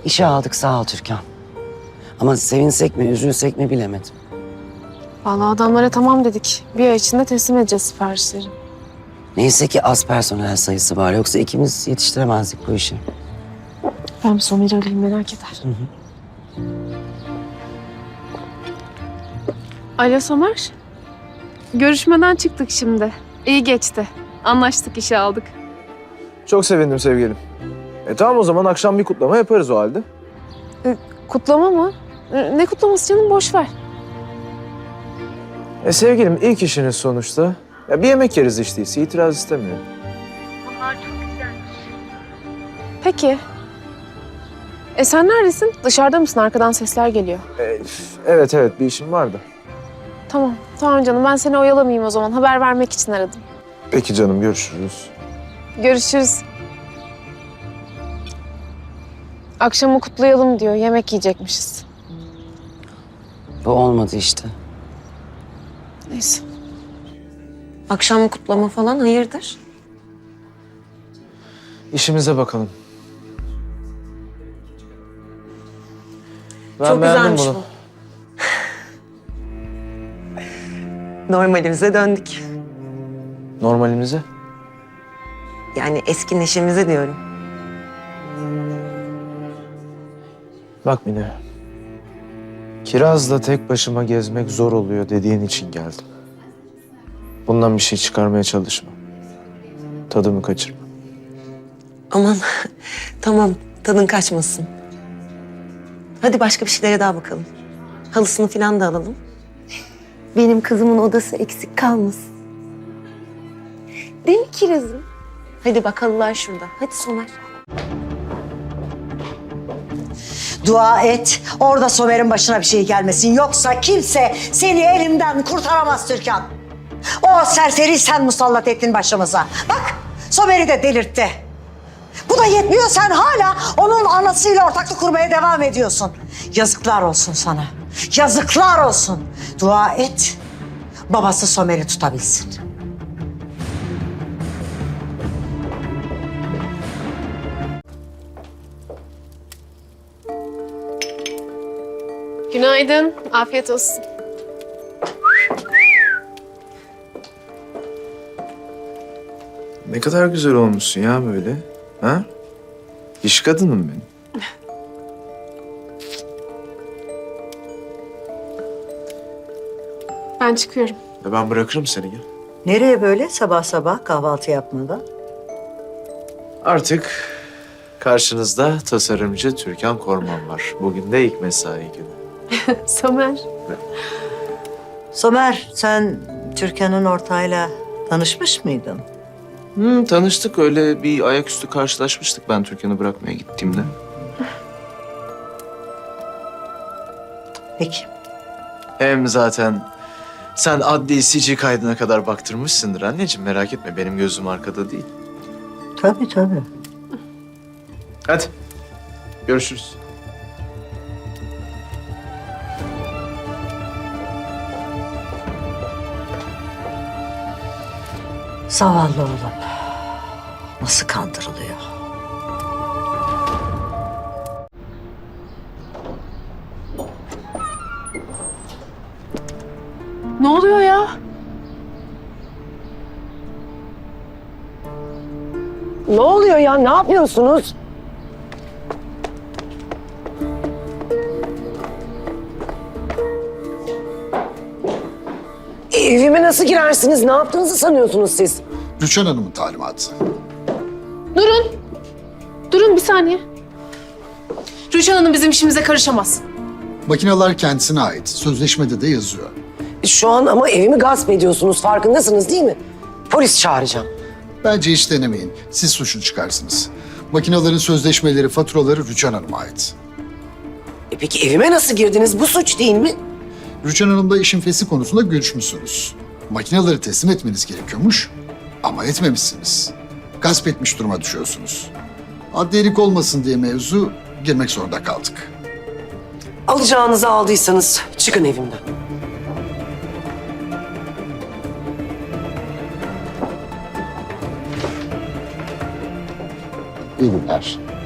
İşe aldık sağ ol Türkan. Ama sevinsek mi, üzülsek mi bilemedim. Vallahi adamlara tamam dedik. Bir ay içinde teslim edeceğiz siparişleri. Neyse ki az personel sayısı var. Yoksa ikimiz yetiştiremezdik bu işi. Ben bir Somer'i arayayım, merak eder. Alo Somer. Görüşmeden çıktık şimdi. İyi geçti. Anlaştık, işe aldık. Çok sevindim sevgilim. Tamam o zaman akşam bir kutlama yaparız o halde. Kutlama mı? Ne kutlaması canım, boş ver. Sevgilim ilk işiniz sonuçta. Ya bir yemek yeriz işte değilse, itiraz istemiyorum. Peki. Sen neredesin? Dışarıda mısın? Arkadan sesler geliyor. Evet bir işim vardı. Tamam canım, ben seni oyalamayayım o zaman. Haber vermek için aradım. Peki canım, görüşürüz. Görüşürüz. Akşamı kutlayalım diyor. Yemek yiyecekmişiz. Bu olmadı işte. Neyse. Akşam kutlama falan hayırdır? İşimize bakalım. Ben Çok beğendim güzelmiş bunu. bu. Normalimize döndük. Normalimize. Yani eski neşemize diyorum. Bak Mine. Kiraz'la tek başıma gezmek zor oluyor dediğin için geldim. Bundan bir şey çıkarmaya çalışma. Tadımı kaçırma. Aman tamam, tadın kaçmasın. Hadi başka bir şeylere daha bakalım. Halısını falan da alalım. Benim kızımın odası eksik kalmasın. Değil mi Kiraz'ım? Hadi bak, halılar şurada. Hadi Somer. Dua et, orada Somer'in başına bir şey gelmesin. Yoksa kimse seni elimden kurtaramaz Türkan. O serseri sen musallat ettin başımıza. Bak, Somer'i de delirtti. Bu da yetmiyor, sen hala onun anasıyla ortaklık kurmaya devam ediyorsun. Yazıklar olsun sana. Yazıklar olsun. Dua et, babası Somer'i tutabilsin. Günaydın. Afiyet olsun. Ne kadar güzel olmuşsun ya böyle. Ha? İş kadınım benim. Ben çıkıyorum. Ben bırakırım seni ya. Nereye böyle sabah sabah kahvaltı yapmadan? Artık karşınızda tasarımcı Türkan Korman var. Bugün de ilk mesai günü. Somer. Somer, sen Türkan'ın ortağıyla tanışmış mıydın? Tanıştık, öyle bir ayaküstü karşılaşmıştık ben Türkan'ı bırakmaya gittiğimde. Peki. Hem zaten sen adli sicil kaydına kadar baktırmışsındır anneciğim. Merak etme, benim gözüm arkada değil. Tabii tabii. Hadi görüşürüz. Zavallı oğlum. Nasıl kandırılıyor? Ne oluyor ya? Ne oluyor ya? Ne yapıyorsunuz? Evime nasıl girersiniz? Ne yaptığınızı sanıyorsunuz siz? Rüçhan Hanım'ın talimatı. Durun. Durun bir saniye. Rüçhan Hanım bizim işimize karışamaz. Makineler kendisine ait. Sözleşmede de yazıyor. Şu an ama evimi gasp ediyorsunuz. Farkındasınız değil mi? Polis çağıracağım. Bence hiç denemeyin. Siz suçlu çıkarsınız. Makinelerin sözleşmeleri, faturaları Rüçhan Hanım'a ait. Peki evime nasıl girdiniz? Bu suç değil mi? Rüçhan Hanım'la işin fesih konusunda görüşmüşsünüz. Makineleri teslim etmeniz gerekiyormuş ama etmemişsiniz. Gasp etmiş duruma düşüyorsunuz. Adliyelik olmasın diye mevzu girmek zorunda kaldık. Alacağınızı aldıysanız çıkın evimden. İyi günler.